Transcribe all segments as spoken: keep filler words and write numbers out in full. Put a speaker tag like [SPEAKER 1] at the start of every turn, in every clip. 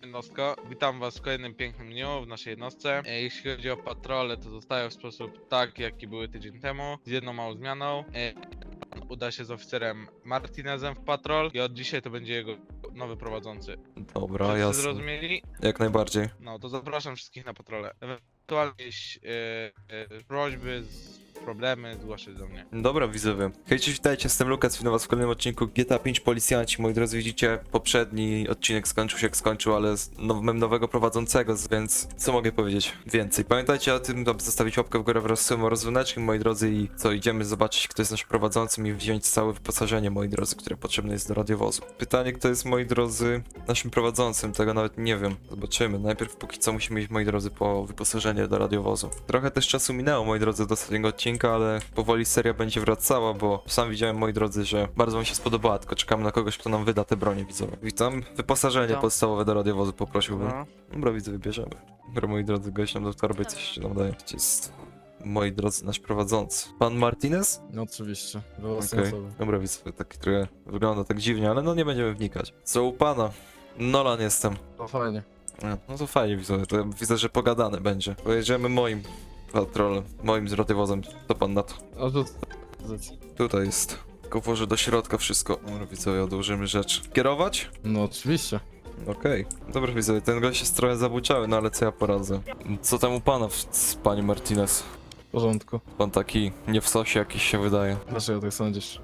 [SPEAKER 1] jednostko. Witam was w kolejnym pięknym dniu w naszej jednostce. E, Jeśli chodzi o patrole, to zostają w sposób taki, jaki były tydzień temu, z jedną małą zmianą. E, Uda się z oficerem Martinezem w patrol i od dzisiaj to będzie jego nowy prowadzący.
[SPEAKER 2] Dobra,
[SPEAKER 1] Wszyscy
[SPEAKER 2] jasne.
[SPEAKER 1] zrozumieli?
[SPEAKER 2] Jak najbardziej.
[SPEAKER 1] No to zapraszam wszystkich na patrole. Ewentualnie jakieś e, e, prośby, z, problemy zgłaszać do mnie.
[SPEAKER 2] Dobra, widzowie. Hej, cześć, witajcie, jestem Lukas, witam was w kolejnym odcinku G T A pięć Policjanci. Moi drodzy, widzicie, poprzedni odcinek skończył się jak skończył, ale z now, mam nowego prowadzącego, więc co mogę powiedzieć więcej? Pamiętajcie o tym, aby zostawić łapkę w górę wraz z tym rozwyneczkiem, moi drodzy, i co, idziemy zobaczyć, kto jest naszym prowadzącym i wziąć całe wyposażenie, moi drodzy, które potrzebne jest do radiowozu. Pytanie, kto jest, moi drodzy, naszym prowadzącym, tego nawet nie wiem. Zobaczymy. Najpierw póki co musimy iść, moi drodzy, po wyposażenie do radiowozu. Trochę też czasu minęło, moi drodzy, do ostatniego odcinka, ale powoli seria będzie wracała, bo sam widziałem, moi drodzy, że bardzo wam się spodobała, tylko czekamy na kogoś, kto nam wyda te bronie, widzowie. Witam. Wyposażenie
[SPEAKER 3] Witam.
[SPEAKER 2] podstawowe do radiowozu poprosiłbym.
[SPEAKER 3] No.
[SPEAKER 2] Dobra, widzę, wybierzemy. Dobra, moi drodzy, gość nam do torby coś nam daje. Gdzie jest, moi drodzy, nasz prowadzący? Pan Martinez?
[SPEAKER 3] No oczywiście, we
[SPEAKER 2] Okej.
[SPEAKER 3] własnej osobie.
[SPEAKER 2] Dobra, widzę, taki trochę wygląda tak dziwnie, ale no nie będziemy wnikać. Co u pana? Nolan jestem.
[SPEAKER 3] To fajnie.
[SPEAKER 2] A, no to fajnie, widzę, to widzę, że pogadane będzie. Pojedziemy moim patrolem, moim z radiowozem. Co pan na to?
[SPEAKER 3] A to...
[SPEAKER 2] Tutaj jest. Tylko włożę do środka wszystko. Dobra, widzowie, odłożymy rzeczy. Kierować?
[SPEAKER 3] No oczywiście.
[SPEAKER 2] Okej. Dobra, widzowie, ten gość jest trochę zabuciały, no ale co ja poradzę? Co tam u pana, w- panie Martinez?
[SPEAKER 3] W porządku.
[SPEAKER 2] Pan taki nie w sosie jakiś się wydaje.
[SPEAKER 3] Dlaczego tak sądzisz?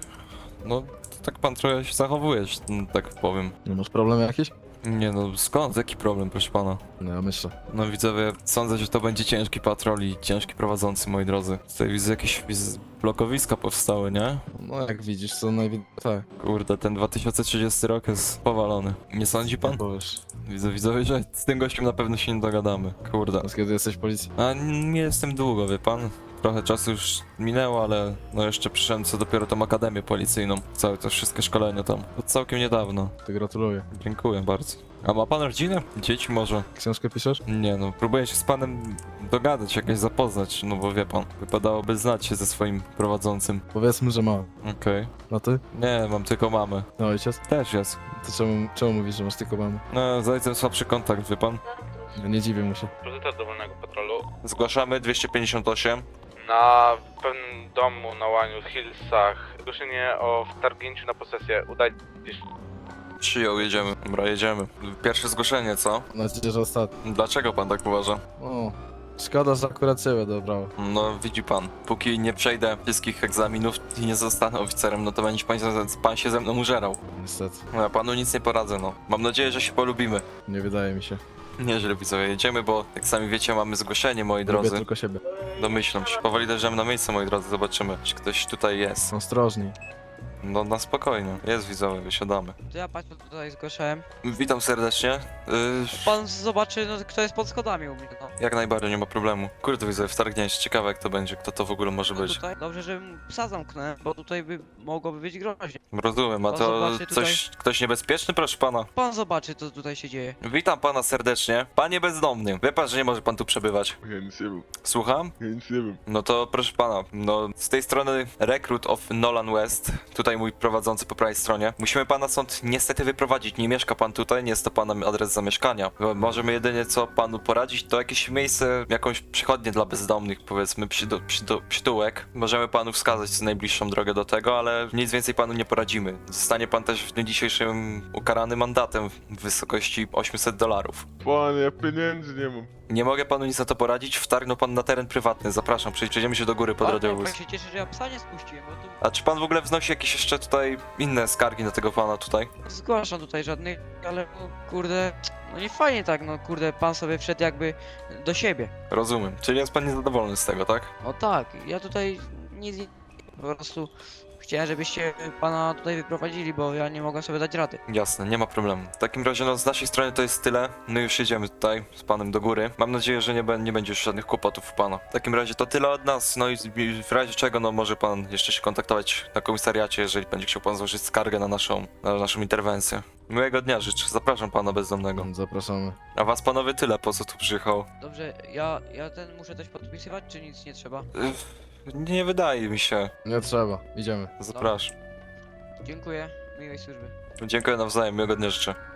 [SPEAKER 2] No, tak pan trochę się zachowuje, że- no, tak powiem.
[SPEAKER 3] Nie masz problemu jakiś?
[SPEAKER 2] Nie no, skąd? Jaki problem, proszę pana?
[SPEAKER 3] No ja myślę.
[SPEAKER 2] No widzowie, sądzę, że to będzie ciężki patrol i ciężki prowadzący, moi drodzy. Tutaj widzę jakieś wiz- blokowiska powstały, nie?
[SPEAKER 3] No jak widzisz, co najwidoczniej... Tak.
[SPEAKER 2] Kurde, ten dwa tysiące trzydziesty rok jest powalony. Nie sądzi pan?
[SPEAKER 3] Powiesz.
[SPEAKER 2] Widzę, widzowie, że z tym gościem na pewno się nie dogadamy. Kurde.
[SPEAKER 3] Od kiedy jesteś w policji?
[SPEAKER 2] A nie jestem długo, wie pan? Trochę czasu już minęło, ale no jeszcze przyszedłem co dopiero tą akademię policyjną. Całe to wszystkie szkolenia tam. To całkiem niedawno.
[SPEAKER 3] To gratuluję.
[SPEAKER 2] Dziękuję bardzo. A ma pan rodzinę? Dzieci może?
[SPEAKER 3] Książkę piszesz?
[SPEAKER 2] Nie no, próbuję się z panem dogadać, jakoś zapoznać, no bo wie pan, wypadałoby znać się ze swoim prowadzącym.
[SPEAKER 3] Powiedzmy, że mam.
[SPEAKER 2] Okej.
[SPEAKER 3] No ty?
[SPEAKER 2] Nie, mam tylko mamę.
[SPEAKER 3] No ojciec?
[SPEAKER 2] Też jest.
[SPEAKER 3] To czemu, czemu mówisz, że masz tylko mamę?
[SPEAKER 2] No, z ojcem słabszy kontakt, wie pan.
[SPEAKER 3] No, nie dziwię mu się.
[SPEAKER 1] Priorytet dowolnego patrolu.
[SPEAKER 2] Zgłaszamy dwieście pięćdziesiąt osiem.
[SPEAKER 1] Na pewnym domu na Łaniu, Hillsach, zgłoszenie o wtargnięciu na posesję. Udaj gdzieś.
[SPEAKER 2] Przyjął, jedziemy. Dobra, jedziemy. Pierwsze zgłoszenie, co?
[SPEAKER 3] Mam nadzieję, że ostatni.
[SPEAKER 2] Dlaczego pan tak uważa?
[SPEAKER 3] O, szkoda, że akurat ciebie dobrał.
[SPEAKER 2] No, widzi pan, póki nie przejdę wszystkich egzaminów i nie zostanę oficerem, no to będzie pan, pan się ze mną użerał.
[SPEAKER 3] Niestety.
[SPEAKER 2] No, ja panu nic nie poradzę, no. Mam nadzieję, że się polubimy.
[SPEAKER 3] Nie wydaje mi się.
[SPEAKER 2] Nieźle, widzowie, jedziemy, bo jak sami wiecie, mamy zgłoszenie, moi
[SPEAKER 3] Lubię
[SPEAKER 2] drodzy.
[SPEAKER 3] tylko siebie.
[SPEAKER 2] Domyślam się. Powoli dojdziemy na miejsce, moi drodzy, zobaczymy, czy ktoś tutaj jest.
[SPEAKER 3] Ostrożniej.
[SPEAKER 2] No, na spokojnie. Jest, widzowie, wysiadamy.
[SPEAKER 4] To ja patrzę tutaj zgłaszałem.
[SPEAKER 2] Witam serdecznie. Yy,
[SPEAKER 4] Pan zobaczy, no, kto jest pod schodami u mnie. No.
[SPEAKER 2] jak najbardziej, nie ma problemu. Kurde, widzowie, wtargnięcie. Ciekawe, jak to będzie, kto to w ogóle może
[SPEAKER 4] No
[SPEAKER 2] być.
[SPEAKER 4] tutaj, dobrze, że psa zamknąłem, bo tutaj by mogłoby być groźnie.
[SPEAKER 2] Rozumiem, a
[SPEAKER 4] Pan
[SPEAKER 2] to
[SPEAKER 4] zobaczy tutaj.
[SPEAKER 2] coś, ktoś niebezpieczny, proszę pana?
[SPEAKER 4] Pan zobaczy, co tutaj się dzieje.
[SPEAKER 2] Witam pana serdecznie. Panie bezdomny, wie pan, że nie może pan tu przebywać.
[SPEAKER 5] Ja nic nie wiem,
[SPEAKER 2] Słucham?
[SPEAKER 5] ja nic nie wiem.
[SPEAKER 2] No to proszę pana, no z tej strony Recruit of Nolan West, tutaj mój prowadzący po prawej stronie. Musimy pana stąd niestety wyprowadzić, nie mieszka pan tutaj, nie jest to pana adres zamieszkania. Możemy jedynie co panu poradzić, to jakieś miejsce, jakąś przychodnię dla bezdomnych, powiedzmy, przydu, przydu, przytułek. Możemy panu wskazać najbliższą drogę do tego, ale nic więcej panu nie poradzimy. Zostanie pan też w dniu dzisiejszym ukarany mandatem w wysokości osiemset dolarów.
[SPEAKER 5] Panie, ja pieniędzy nie mam.
[SPEAKER 2] Nie mogę panu nic na to poradzić, wtargnął pan na teren prywatny, zapraszam, przejdziemy się do góry pod
[SPEAKER 4] Pan,
[SPEAKER 2] radiowóz.
[SPEAKER 4] pan się cieszy, że ja psa nie spuściłem, bo tu
[SPEAKER 2] A czy pan w ogóle wznosi jakieś jeszcze tutaj inne skargi na tego pana tutaj?
[SPEAKER 4] zgłaszam tutaj żadnych, ale no, kurde, no nie fajnie tak, no kurde, pan sobie wszedł jakby do siebie.
[SPEAKER 2] Rozumiem. Czyli jest pan niezadowolony z tego, tak?
[SPEAKER 4] O tak, ja tutaj nic nie... Po prostu chciałem, żebyście pana tutaj wyprowadzili, bo ja nie mogę sobie dać rady.
[SPEAKER 2] Jasne, nie ma problemu. W takim razie no z naszej strony to jest tyle. My już jedziemy tutaj z panem do góry. Mam nadzieję, że nie, be- nie będzie już żadnych kłopotów u pana. W takim razie to tyle od nas, no i z- i w razie czego no może pan jeszcze się kontaktować na komisariacie, jeżeli będzie chciał pan złożyć skargę na naszą, na naszą interwencję. Miłego dnia życzę, zapraszam pana bezdomnego.
[SPEAKER 3] Zapraszamy.
[SPEAKER 2] A was panowie tyle, po co tu przyjechał?
[SPEAKER 4] Dobrze, ja, ja ten muszę coś podpisywać, czy nic nie trzeba?
[SPEAKER 2] Ych, Nie wydaje mi się.
[SPEAKER 3] Nie trzeba. Idziemy.
[SPEAKER 2] Zapraszam.
[SPEAKER 4] Dziękuję, miłej służby.
[SPEAKER 2] Dziękuję nawzajem, miłego dnia życzę.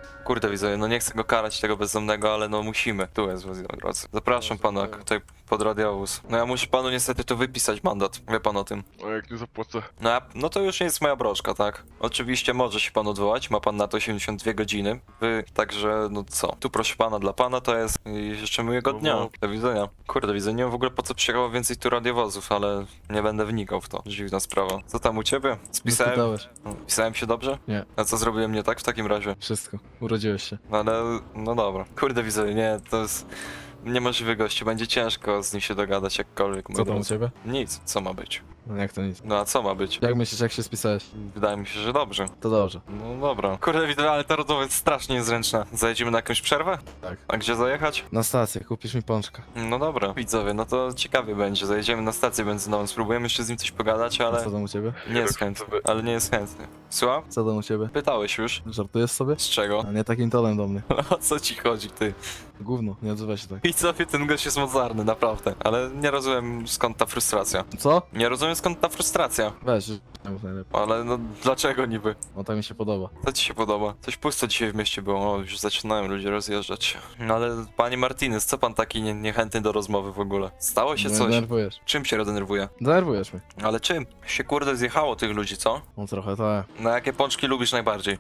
[SPEAKER 2] Kurde, widzę, no nie chcę go karać, tego bezdomnego, ale no musimy. Tu jest, moi drodzy. Zapraszam pana tutaj pod radiowóz. No ja muszę panu niestety tu wypisać mandat. Wie pan o tym.
[SPEAKER 5] A jak nie zapłacę?
[SPEAKER 2] No, ja, no to już nie jest moja broszka, tak? Oczywiście może się pan odwołać, ma pan na to osiemdziesiąt dwie godziny. Wy, także, no co? Tu proszę pana, dla pana to jest i życzę miłego dnia. Do widzenia. Kurde, widzę, nie wiem w ogóle po co przyjechało więcej tu radiowozów, ale nie będę wnikał w to. Dziwna sprawa. Co tam u ciebie? Spisałem,
[SPEAKER 3] Zapytałeś.
[SPEAKER 2] no, pisałem się dobrze?
[SPEAKER 3] Nie.
[SPEAKER 2] A co zrobiłem nie tak w takim razie?
[SPEAKER 3] Wszystko. Urodziłeś się.
[SPEAKER 2] No ale, no dobra. Kurde, widzę, nie, to jest niemożliwy gościu, będzie ciężko z nim się dogadać jakkolwiek. moi
[SPEAKER 3] Co tam u
[SPEAKER 2] drodzy.
[SPEAKER 3] ciebie?
[SPEAKER 2] Nic, co ma być?
[SPEAKER 3] No jak to nic.
[SPEAKER 2] No a co ma być?
[SPEAKER 3] Jak myślisz, jak się spisałeś?
[SPEAKER 2] Wydaje mi się, że dobrze.
[SPEAKER 3] To dobrze.
[SPEAKER 2] No dobra. Kurde, widzę, ale ta rozmowa jest strasznie niezręczna. Zajedziemy na jakąś przerwę?
[SPEAKER 3] Tak.
[SPEAKER 2] A gdzie zajechać?
[SPEAKER 3] Na stację, kupisz mi pączka.
[SPEAKER 2] No dobra. Widzowie, no to ciekawie będzie. Zajedziemy na stację benzynową, spróbujemy jeszcze z nim coś pogadać,
[SPEAKER 3] A
[SPEAKER 2] ale
[SPEAKER 3] co tam u ciebie?
[SPEAKER 2] nie jest chętny. Ale nie jest chętny. Słucham?
[SPEAKER 3] Co tam u ciebie?
[SPEAKER 2] Pytałeś już?
[SPEAKER 3] Żartujesz sobie?
[SPEAKER 2] Z czego?
[SPEAKER 3] A nie takim tonem do mnie.
[SPEAKER 2] O co ci chodzi, ty?
[SPEAKER 3] Gówno, nie odzywaj się tak.
[SPEAKER 2] Widzowie, ten gość jest mocarny, naprawdę. Ale nie rozumiem skąd ta frustracja.
[SPEAKER 3] Co?
[SPEAKER 2] Nie rozumiem skąd ta frustracja.
[SPEAKER 3] Weź, nie mów najlepiej.
[SPEAKER 2] Ale no dlaczego niby?
[SPEAKER 3] No tak mi się podoba.
[SPEAKER 2] Co ci się podoba? Coś pusto dzisiaj w mieście było, o, już zaczynają ludzie rozjeżdżać się. No ale panie Martinez, co pan taki nie, niechętny do rozmowy w ogóle? Stało się
[SPEAKER 3] No,
[SPEAKER 2] coś?
[SPEAKER 3] denerwujesz.
[SPEAKER 2] Czym się denerwuje?
[SPEAKER 3] Denerwujesz mnie.
[SPEAKER 2] Ale czym? Się kurde zjechało tych ludzi, co?
[SPEAKER 3] No trochę tak.
[SPEAKER 2] No jakie pączki lubisz najbardziej?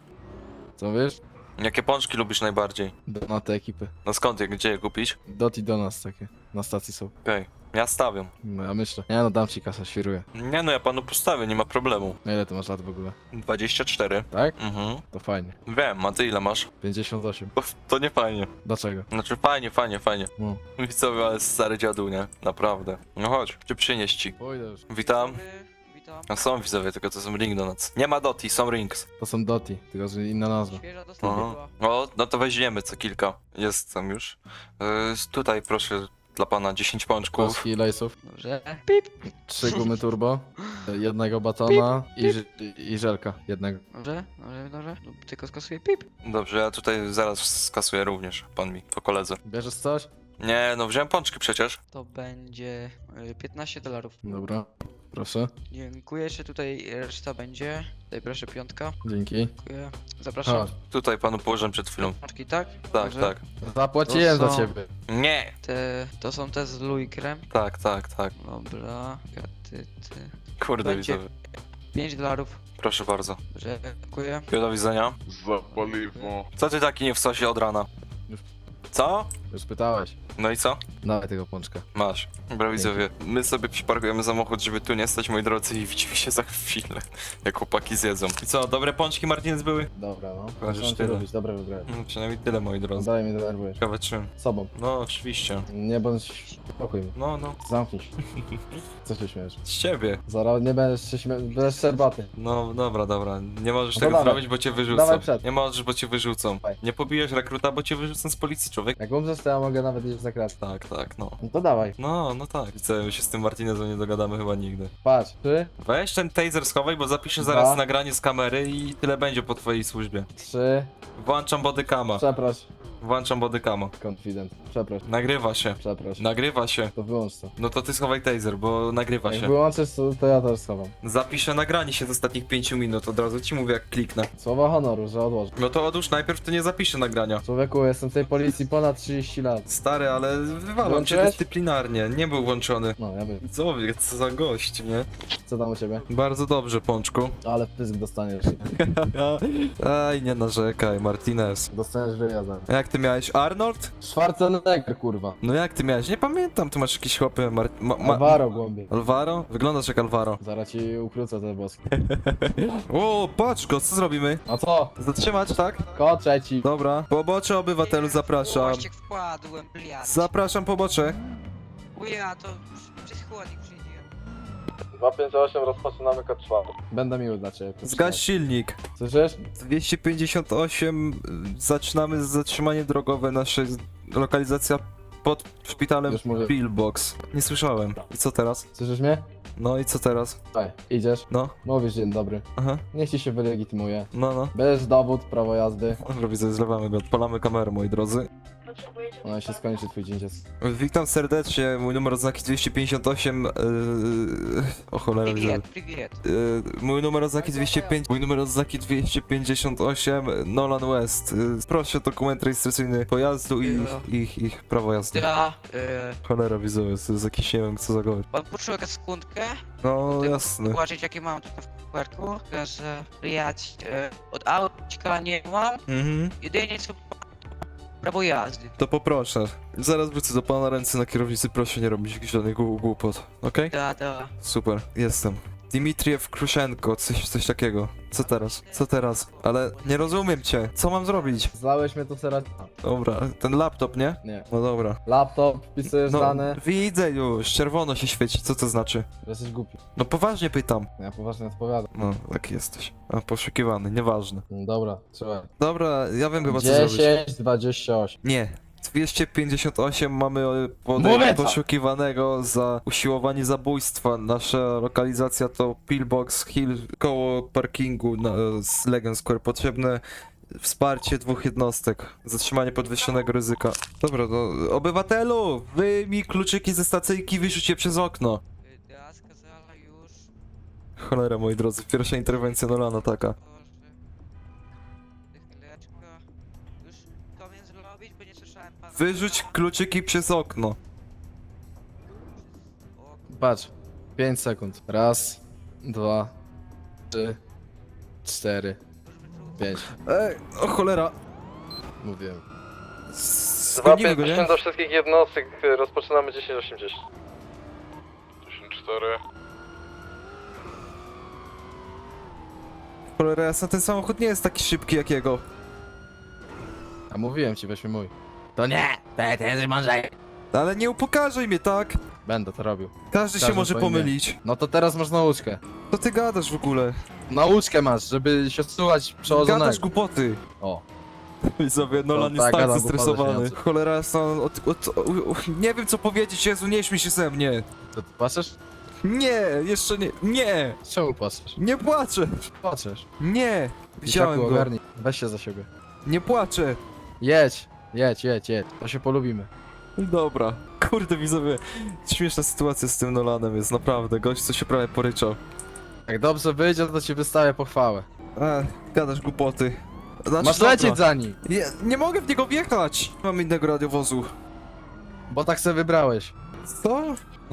[SPEAKER 3] Co wiesz?
[SPEAKER 2] Jakie pączki lubisz najbardziej?
[SPEAKER 3] Do, na te ekipy.
[SPEAKER 2] No skąd je, gdzie je kupić?
[SPEAKER 3] Dot i do nas takie. Na stacji są.
[SPEAKER 2] Okej, ja stawiam.
[SPEAKER 3] No ja myślę. Nie no, dam ci kasę, świruję.
[SPEAKER 2] Nie no, ja panu postawię, nie ma problemu.
[SPEAKER 3] Na ile ty masz lat w ogóle?
[SPEAKER 2] dwadzieścia cztery.
[SPEAKER 3] Tak?
[SPEAKER 2] Mhm.
[SPEAKER 3] To fajnie.
[SPEAKER 2] Wiem, a ty ile masz?
[SPEAKER 3] pięćdziesiąt osiem.
[SPEAKER 2] To, to nie fajnie.
[SPEAKER 3] Dlaczego?
[SPEAKER 2] Znaczy fajnie, fajnie, fajnie.
[SPEAKER 3] No.
[SPEAKER 2] Widzowie, ale stary dziadu, nie? Naprawdę. No chodź, czy przynieść ci?
[SPEAKER 3] Pójdę już.
[SPEAKER 2] Witam.
[SPEAKER 4] Dobry, witam.
[SPEAKER 2] A są widzowie, tylko to są Ring Donuts. Nie ma Doti, są Rings.
[SPEAKER 3] To są Doti, tylko że inna nazwa.
[SPEAKER 4] Świeża dostawa
[SPEAKER 2] Aha.
[SPEAKER 4] była.
[SPEAKER 2] O, no to weźmiemy co kilka. Jest tam już. Yy, tutaj proszę dla pana dziesięć pączków.
[SPEAKER 3] Kostki lejsów.
[SPEAKER 4] Dobrze. Pip.
[SPEAKER 3] Trzy gumy turbo. Jednego batona i, ż- i żelka. Jednego.
[SPEAKER 4] Dobrze, dobrze, dobrze. No, tylko skasuję pip.
[SPEAKER 2] Dobrze, ja tutaj zaraz skasuję również, pan mi, po koledze.
[SPEAKER 3] Bierzesz coś?
[SPEAKER 2] Nie, no wziąłem pączki przecież.
[SPEAKER 4] To będzie y, piętnaście dolarów.
[SPEAKER 3] Dobra. Proszę.
[SPEAKER 4] Dziękuję, jeszcze tutaj reszta będzie. Tutaj proszę piątka.
[SPEAKER 3] Dzięki.
[SPEAKER 4] Dziękuję. Zapraszam.
[SPEAKER 3] Chodź.
[SPEAKER 2] Tutaj panu położyłem przed chylą.
[SPEAKER 4] Paczki, tak?
[SPEAKER 2] Tak,
[SPEAKER 4] Dobrze.
[SPEAKER 2] tak.
[SPEAKER 3] Zapłaciłem
[SPEAKER 4] To
[SPEAKER 3] za
[SPEAKER 4] są-
[SPEAKER 3] ciebie.
[SPEAKER 2] Nie!
[SPEAKER 4] Te, to są te z Louis Creme.
[SPEAKER 2] Tak, tak, tak.
[SPEAKER 4] Dobra. Ty, ty.
[SPEAKER 2] Kurde
[SPEAKER 4] Będzie.
[SPEAKER 2] widzowie.
[SPEAKER 4] pięć dolarów.
[SPEAKER 2] Proszę bardzo.
[SPEAKER 4] Dobrze, dziękuję.
[SPEAKER 2] Do widzenia.
[SPEAKER 5] Za paliwo.
[SPEAKER 2] Co ty taki nie w sosie od rana?
[SPEAKER 3] Już.
[SPEAKER 2] Co?
[SPEAKER 3] Już pytałeś.
[SPEAKER 2] No i co?
[SPEAKER 3] Dawaj tego pączka.
[SPEAKER 2] Masz. Dobra widzowie, my sobie przyparkujemy samochód, żeby tu nie stać, moi drodzy, i widzimy się za chwilę, jak chłopaki zjedzą. I co, dobre pączki Martinez były?
[SPEAKER 3] Dobra, no.
[SPEAKER 2] Chyba, że
[SPEAKER 3] Muszę
[SPEAKER 2] tyle.
[SPEAKER 3] robić, dobre wybrałem.
[SPEAKER 2] No, przynajmniej tyle, moi drodzy.
[SPEAKER 3] Dalej mnie denerwujesz.
[SPEAKER 2] Ciekawe czym.
[SPEAKER 3] Sobą.
[SPEAKER 2] No, oczywiście.
[SPEAKER 3] Nie bądź spokój.
[SPEAKER 2] No, no.
[SPEAKER 3] Zamknij się. Co się śmiesz?
[SPEAKER 2] Z ciebie.
[SPEAKER 3] Zaraz nie będziesz się śmiał. Będziesz serbaty.
[SPEAKER 2] No, dobra, dobra. Nie możesz
[SPEAKER 3] No
[SPEAKER 2] tego
[SPEAKER 3] dawaj.
[SPEAKER 2] zrobić, bo cię wyrzucą.
[SPEAKER 3] Dawaj przed.
[SPEAKER 2] Nie możesz, bo cię wyrzucą.
[SPEAKER 3] Dawaj.
[SPEAKER 2] Nie pobijesz rekruta, bo cię wyrzucą z policji, człowiek.
[SPEAKER 3] Jak umrzesz, to ja mogę nawet iść za kratę.
[SPEAKER 2] Tak, tak, no.
[SPEAKER 3] No to dawaj.
[SPEAKER 2] No, no tak. Widzę, my się z tym Martinezem nie dogadamy chyba nigdy.
[SPEAKER 3] Patrz. Trzy,
[SPEAKER 2] Weź ten taser schowaj, bo zapiszę zaraz
[SPEAKER 3] Dwa.
[SPEAKER 2] nagranie z kamery i tyle będzie po twojej służbie.
[SPEAKER 3] trzy.
[SPEAKER 2] Włączam bodycama.
[SPEAKER 3] Przeproś.
[SPEAKER 2] Włączam bodycama.
[SPEAKER 3] Confident. Przeproś.
[SPEAKER 2] Nagrywa się.
[SPEAKER 3] Przeproś.
[SPEAKER 2] Nagrywa się.
[SPEAKER 3] To wyłącz to.
[SPEAKER 2] No to ty schowaj taser, bo nagrywa
[SPEAKER 3] Jak
[SPEAKER 2] się.
[SPEAKER 3] wyłączysz to, to ja też schowam.
[SPEAKER 2] Zapiszę nagranie się z ostatnich pięciu minut, od razu ci mówię jak kliknę.
[SPEAKER 3] Słowa honoru, że odłożę.
[SPEAKER 2] No to odłóż najpierw, to nie zapiszę nagrania.
[SPEAKER 3] Człowieku, jestem w tej policji ponad trzydzieści lat.
[SPEAKER 2] Stary, ale wywalam cię
[SPEAKER 3] Włączyłeś?
[SPEAKER 2] dyscyplinarnie, nie był włączony.
[SPEAKER 3] No, ja wiem.
[SPEAKER 2] Widzowie, co za gość, nie?
[SPEAKER 3] Co tam u ciebie?
[SPEAKER 2] Bardzo dobrze, Pączku.
[SPEAKER 3] Ale pysk dostaniesz.
[SPEAKER 2] Aj, nie narzekaj, Martinez.
[SPEAKER 3] Dostaniesz wywiadem.
[SPEAKER 2] A jak ty miałeś, Arnold?
[SPEAKER 3] Schwarzenegger, kurwa.
[SPEAKER 2] No jak ty miałeś? Nie pamiętam, ty masz jakieś chłopy, Mar... Ma, ma...
[SPEAKER 3] Alvaro głębiej.
[SPEAKER 2] Alvaro? Wyglądasz jak Alvaro.
[SPEAKER 3] Zaraz ci ukrócę te boski.
[SPEAKER 2] O, patrz go, co zrobimy?
[SPEAKER 3] A co?
[SPEAKER 2] Zatrzymać, tak?
[SPEAKER 3] Ko trzeci.
[SPEAKER 2] Dobra. Pobocze obywatelu, zapraszam.
[SPEAKER 4] Właśnie wkładłem, bliad.
[SPEAKER 2] Zapraszam pobocze.
[SPEAKER 4] Uja, to przez chłodnik przyjdzie.
[SPEAKER 3] dwa pięć osiem rozpoczynamy kod czwarty. Będę miły dla ciebie.
[SPEAKER 2] Zgaś silnik.
[SPEAKER 3] Słyszysz?
[SPEAKER 2] dwieście pięćdziesiąt osiem, y, zaczynamy z zatrzymanie drogowe, nasza lokalizacja pod szpitalem
[SPEAKER 3] Już mówię.
[SPEAKER 2] Pillbox. Nie słyszałem. I co teraz?
[SPEAKER 3] Słyszysz mnie?
[SPEAKER 2] No i co teraz?
[SPEAKER 3] Daj, idziesz.
[SPEAKER 2] No,
[SPEAKER 3] Mówisz dzień dobry.
[SPEAKER 2] aha,
[SPEAKER 3] Niech ci się wylegitymuje.
[SPEAKER 2] no, no.
[SPEAKER 3] Bierz dowód, prawo jazdy.
[SPEAKER 2] Dobra, widzę, zlewamy go, odpalamy kamerę, moi drodzy.
[SPEAKER 3] No się skończy twój dzień dziecka.
[SPEAKER 2] Witam serdecznie, mój numer oznaki dwieście pięćdziesiąt osiem. Yy... O cholera, widzę.
[SPEAKER 4] Привет, привет.
[SPEAKER 2] Yy, mój numer oznaki dwieście pięć, mój numer oznaki dwieście pięćdziesiąt osiem, Nolan West. Yy, proszę dokument rejestracyjny pojazdu i ich, ich prawo jazdy.
[SPEAKER 4] Да, э,
[SPEAKER 2] Cholera, widzowie, to jest jakiś, nie wiem co za gość.
[SPEAKER 4] pan potrzebuje sekundkę,
[SPEAKER 2] No jasne.
[SPEAKER 4] zobaczyć jakie mam tutaj w kuwerku. Proszę przyjechać e, od autka nie mam,
[SPEAKER 2] Mhm.
[SPEAKER 4] jedynie co prawo jazdy.
[SPEAKER 2] To poproszę. Zaraz wrócę do pana, ręce na kierownicy, proszę nie robić jakichś żadnych głu- głupot, okej?
[SPEAKER 4] Da, da.
[SPEAKER 2] Super, jestem. Dimitriew Kruszenko, coś, coś takiego. Co teraz? Co teraz? Ale nie rozumiem cię. Co mam zrobić?
[SPEAKER 3] Zlałeś mnie tu teraz.
[SPEAKER 2] Dobra, ten laptop, nie?
[SPEAKER 3] Nie.
[SPEAKER 2] No dobra.
[SPEAKER 3] Laptop, wpisujesz
[SPEAKER 2] No,
[SPEAKER 3] dane.
[SPEAKER 2] widzę już, czerwono się świeci, co to znaczy?
[SPEAKER 3] Że jesteś głupi.
[SPEAKER 2] No poważnie pytam.
[SPEAKER 3] Ja poważnie odpowiadam.
[SPEAKER 2] No, taki jesteś. A, poszukiwany, nieważne.
[SPEAKER 3] No dobra, trzymaj.
[SPEAKER 2] Dobra, ja wiem chyba co zrobić.
[SPEAKER 3] dziesięć, dwadzieścia osiem.
[SPEAKER 2] Nie. dwieście pięćdziesiąt osiem mamy e,
[SPEAKER 3] Mówię
[SPEAKER 2] pode-
[SPEAKER 3] to!
[SPEAKER 2] poszukiwanego za usiłowanie zabójstwa. Nasza lokalizacja to Pillbox Hill koło parkingu na, z Legion Square. Potrzebne wsparcie dwóch jednostek. Zatrzymanie podwyższonego ryzyka. Dobra, to obywatelu! Wyjmij kluczyki ze stacyjki, wyrzuć je przez okno.
[SPEAKER 4] Da, сказала już.
[SPEAKER 2] Cholera, moi drodzy, pierwsza interwencja Nolana taka.
[SPEAKER 4] Proszę. Chwileczkę. Już to więc zrobić, bo nie słyszałem pana.
[SPEAKER 2] Wyrzuć kluczyki przez okno.
[SPEAKER 4] O,
[SPEAKER 3] Patrz. pięć sekund. Raz, dwa, trzy, cztery, pięć.
[SPEAKER 2] Ej, o cholera.
[SPEAKER 3] Mówiłem.
[SPEAKER 2] Zgonimy go, nie?
[SPEAKER 3] do wszystkich jednostek, rozpoczynamy dziesięć osiemdziesiąt.
[SPEAKER 5] dziesięć cztery.
[SPEAKER 2] Cholera jasna, ten samochód nie jest taki szybki jak jego.
[SPEAKER 3] A mówiłem ci, weźmy mój. To nie! Ty, ty jesteś mądrzej!
[SPEAKER 2] Ale nie upokarzaj mnie, tak?
[SPEAKER 3] Będę to robił.
[SPEAKER 2] Każdy się
[SPEAKER 3] Każdy
[SPEAKER 2] może
[SPEAKER 3] po imię.
[SPEAKER 2] pomylić.
[SPEAKER 3] No to teraz masz nauczkę.
[SPEAKER 2] Co ty gadasz w ogóle?
[SPEAKER 3] Nauczkę masz, żeby się słuchać
[SPEAKER 2] Gadasz
[SPEAKER 3] przełożonego.
[SPEAKER 2] głupoty.
[SPEAKER 3] O.
[SPEAKER 2] Widzowie, Nolan
[SPEAKER 3] No
[SPEAKER 2] jest
[SPEAKER 3] tak,
[SPEAKER 2] tak
[SPEAKER 3] gadam
[SPEAKER 2] zestresowany.
[SPEAKER 3] głupoty,
[SPEAKER 2] Cholera jasna, od, od, od, nie wiem co powiedzieć, Jezu, nie śmiej się ze mnie.
[SPEAKER 3] To ty płaczesz?
[SPEAKER 2] Nie, jeszcze nie, nie,
[SPEAKER 3] Czemu płaczesz?
[SPEAKER 2] nie płaczę.
[SPEAKER 3] Płaczesz.
[SPEAKER 2] Nie, widziałem
[SPEAKER 3] Dzieciaku,
[SPEAKER 2] go,
[SPEAKER 3] ogarnij. Weź się za siebie.
[SPEAKER 2] nie płaczę.
[SPEAKER 3] Jedź, jedź, jedź, jedź. To się polubimy.
[SPEAKER 2] Dobra, kurde widzowie, śmieszna sytuacja z tym Nolanem jest, naprawdę, gość co się prawie poryczał.
[SPEAKER 3] Jak dobrze wyjdzie, to ci wystawię pochwałę.
[SPEAKER 2] A, gadasz głupoty. Znaczy,
[SPEAKER 3] Masz
[SPEAKER 2] dobra.
[SPEAKER 3] lecieć za nim,
[SPEAKER 2] Ja nie mogę w niego wjechać! Mam innego radiowozu.
[SPEAKER 3] bo tak se wybrałeś.
[SPEAKER 2] Co?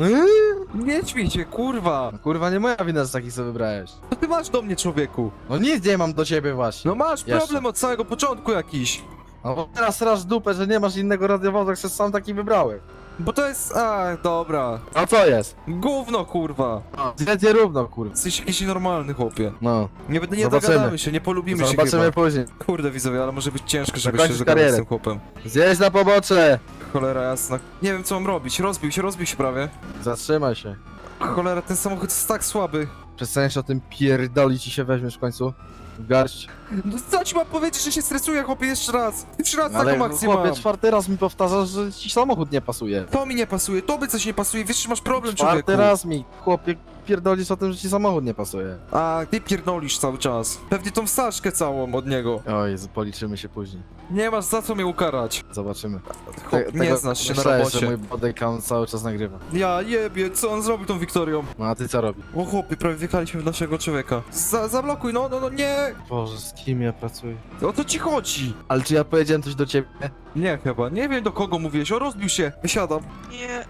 [SPEAKER 2] Nie ćmij się, kurwa!
[SPEAKER 3] No kurwa, nie moja wina, że taki sobie wybrałeś.
[SPEAKER 2] Co ty masz do mnie, człowieku?
[SPEAKER 3] No nic nie mam do ciebie właśnie.
[SPEAKER 2] No masz
[SPEAKER 3] Jeszcze.
[SPEAKER 2] problem od samego początku jakiś.
[SPEAKER 3] No bo teraz rasz dupę, że nie masz innego radiowozu, jak się sam taki wybrałem.
[SPEAKER 2] Bo to jest... A, dobra.
[SPEAKER 3] A co jest?
[SPEAKER 2] Gówno, kurwa.
[SPEAKER 3] Zjedzie równo, kurwa.
[SPEAKER 2] Jesteś jakiś normalny, chłopie.
[SPEAKER 3] No,
[SPEAKER 2] Nie, nie
[SPEAKER 3] Zobaczymy.
[SPEAKER 2] dogadamy się, nie polubimy się
[SPEAKER 3] zobaczymy
[SPEAKER 2] chyba.
[SPEAKER 3] później.
[SPEAKER 2] Kurde, widzowie, ale może być ciężko, żeby
[SPEAKER 3] Zakończysz
[SPEAKER 2] się zagadać z
[SPEAKER 3] karierę.
[SPEAKER 2] tym chłopem.
[SPEAKER 3] Zjedź na pobocze!
[SPEAKER 2] Cholera jasna. Nie wiem, co mam robić. Rozbił się, rozbił się prawie.
[SPEAKER 3] Zatrzymaj się.
[SPEAKER 2] Cholera, ten samochód jest tak słaby.
[SPEAKER 3] Przestaniesz o tym pierdolić i się weźmiesz w końcu. W garść.
[SPEAKER 2] No co ci mam powiedzieć, że się stresuję, chłopie, jeszcze raz. Trzy razy
[SPEAKER 3] Ale
[SPEAKER 2] taką akcję mam.
[SPEAKER 3] chłopie, czwarty raz mi powtarzasz, że ci samochód nie pasuje.
[SPEAKER 2] To mi nie pasuje, tobie coś nie pasuje, wiesz, że masz problem,
[SPEAKER 3] Czwarty
[SPEAKER 2] człowieku.
[SPEAKER 3] raz mi, chłopie, pierdolisz o tym, że ci samochód nie pasuje.
[SPEAKER 2] A ty pierdolisz cały czas. Pewnie tą wstaszkę całą od niego.
[SPEAKER 3] O Jezu, policzymy się później.
[SPEAKER 2] Nie masz za co mnie ukarać.
[SPEAKER 3] Zobaczymy.
[SPEAKER 2] Chłop,
[SPEAKER 3] Te-
[SPEAKER 2] nie
[SPEAKER 3] tego
[SPEAKER 2] znasz się na
[SPEAKER 3] myślałeś, że
[SPEAKER 2] robocie.
[SPEAKER 3] mój body count cały czas nagrywa.
[SPEAKER 2] Ja jebie, co on zrobił tą Wiktorią?
[SPEAKER 3] No a ty co robisz?
[SPEAKER 2] O chłopie, prawie wjechaliśmy w naszego człowieka. Za, zablokuj, no, no, no, nie!
[SPEAKER 3] Boże, z kim ja pracuję?
[SPEAKER 2] O co ci chodzi?
[SPEAKER 3] Ale czy ja powiedziałem coś do ciebie?
[SPEAKER 2] Nie chyba, nie wiem do kogo mówiłeś, o rozbił się, wysiadam.
[SPEAKER 4] nie.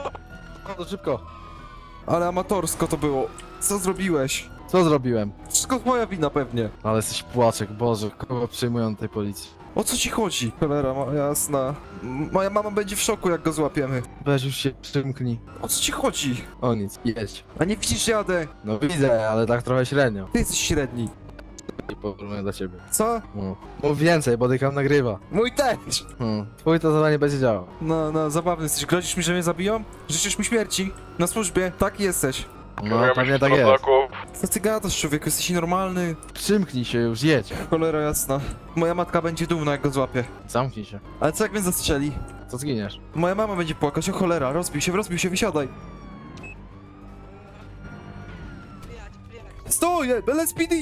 [SPEAKER 3] No to szybko.
[SPEAKER 2] Ale amatorsko to było. Co zrobiłeś?
[SPEAKER 3] Co zrobiłem?
[SPEAKER 2] Wszystko twoja wina pewnie.
[SPEAKER 3] Ale jesteś płaczek, Boże, kogo przyjmują do tej policji?
[SPEAKER 2] O co ci chodzi? Cholera, ma, jasna. M- Moja mama będzie w szoku, jak go złapiemy.
[SPEAKER 3] Weź już się przymknij.
[SPEAKER 2] O co ci chodzi?
[SPEAKER 3] O nic, jedź.
[SPEAKER 2] A nie widzisz, że jadę?
[SPEAKER 3] No widzę, ale tak trochę średnio.
[SPEAKER 2] Ty jesteś średni.
[SPEAKER 3] I porównuję do ciebie.
[SPEAKER 2] Co?
[SPEAKER 3] No. Mów więcej, bo dykam nagrywa.
[SPEAKER 2] Mój też!
[SPEAKER 3] Hmm. Twój to zadanie będzie działał.
[SPEAKER 2] No, no, zabawny jesteś. Grozisz mi, że mnie zabiją? Życzysz mi śmierci? Na służbie? Taki jesteś.
[SPEAKER 3] No, pewnie tak jest.
[SPEAKER 2] Co ty gadasz, człowieku? Jesteś normalny.
[SPEAKER 3] Przymknij się już, jedź.
[SPEAKER 2] Cholera jasna. Moja matka będzie dumna, jak go złapie.
[SPEAKER 3] Zamknij się.
[SPEAKER 2] Ale co jak mnie zastrzeli?
[SPEAKER 3] Co zginiesz?
[SPEAKER 2] Moja mama będzie płakać, o cholera. Rozbił się, rozbił się, wysiadaj.
[SPEAKER 4] Блядь, блядь.
[SPEAKER 2] Stój! L S P D!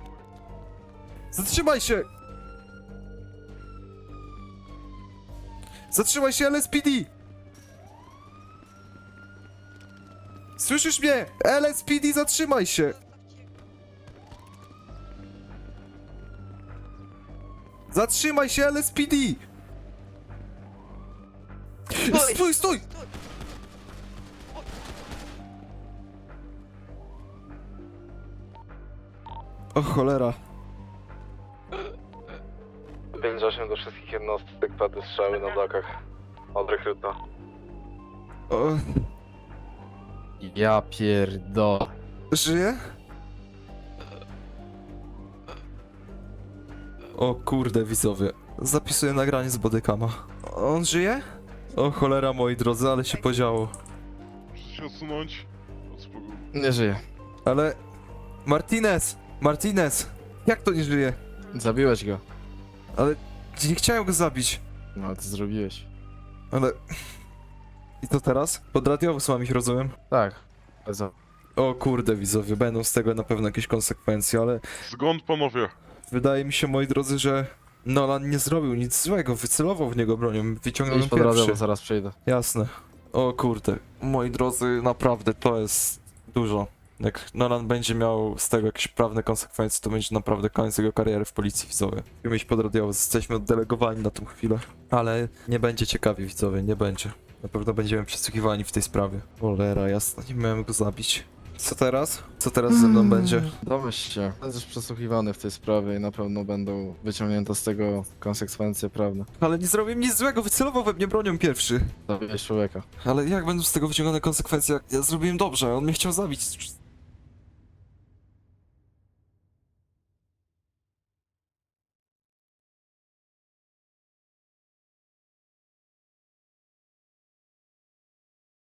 [SPEAKER 2] Zatrzymaj się! Zatrzymaj się, L S P D! Słyszysz mnie? L S P D, zatrzymaj się! Zatrzymaj się, L S P D!
[SPEAKER 4] Stój!
[SPEAKER 2] Stój, stój! O cholera.
[SPEAKER 5] pięć osiem do wszystkich jednostek, padły strzały na blokach. Od rekruta.
[SPEAKER 2] O,
[SPEAKER 3] Ja pierdolę.
[SPEAKER 2] żyje? O kurde, widzowie. Zapisuję nagranie z bodykama. On żyje? O cholera, moi drodzy, ale się podziało.
[SPEAKER 5] Muszę się odsunąć. Odspokój.
[SPEAKER 3] Nie żyje.
[SPEAKER 2] Ale... Martinez! Martinez! Jak to nie żyje?
[SPEAKER 3] Zabiłeś go.
[SPEAKER 2] Ale... Nie chciałem go zabić.
[SPEAKER 3] No ale to zrobiłeś.
[SPEAKER 2] Ale... I co teraz? Pod radiowóz ich, rozumiem?
[SPEAKER 3] Tak. Za...
[SPEAKER 2] O kurde, widzowie, będą z tego na pewno jakieś konsekwencje, ale...
[SPEAKER 5] Zgąd panowie?
[SPEAKER 2] Wydaje mi się, moi drodzy, że... Nolan nie zrobił nic złego, wycelował w niego bronią, wyciągnął ją
[SPEAKER 3] Idź pod radę,
[SPEAKER 2] pierwszy.
[SPEAKER 3] bo zaraz przyjdę.
[SPEAKER 2] Jasne. O kurde. Moi drodzy, naprawdę to jest dużo. Jak Nolan będzie miał z tego jakieś prawne konsekwencje, to będzie naprawdę koniec jego kariery w policji, widzowie. Musimy iść pod radiowóz, jesteśmy oddelegowani na tą chwilę. Ale nie będzie ciekawie, widzowie, nie będzie. Na pewno będziemy przesłuchiwani w tej sprawie. Cholera, jasno, nie miałem go zabić. Co teraz? Co teraz ze mną będzie?
[SPEAKER 3] Domyśl się. Będziesz przesłuchiwany w tej sprawie i na pewno będą wyciągnięte z tego konsekwencje prawne.
[SPEAKER 2] Ale nie zrobiłem nic złego, wycelował we mnie bronią pierwszy.
[SPEAKER 3] Zabiłeś człowieka.
[SPEAKER 2] Ale jak będą z tego wyciągane konsekwencje, jak ja zrobiłem dobrze, on mnie chciał zabić.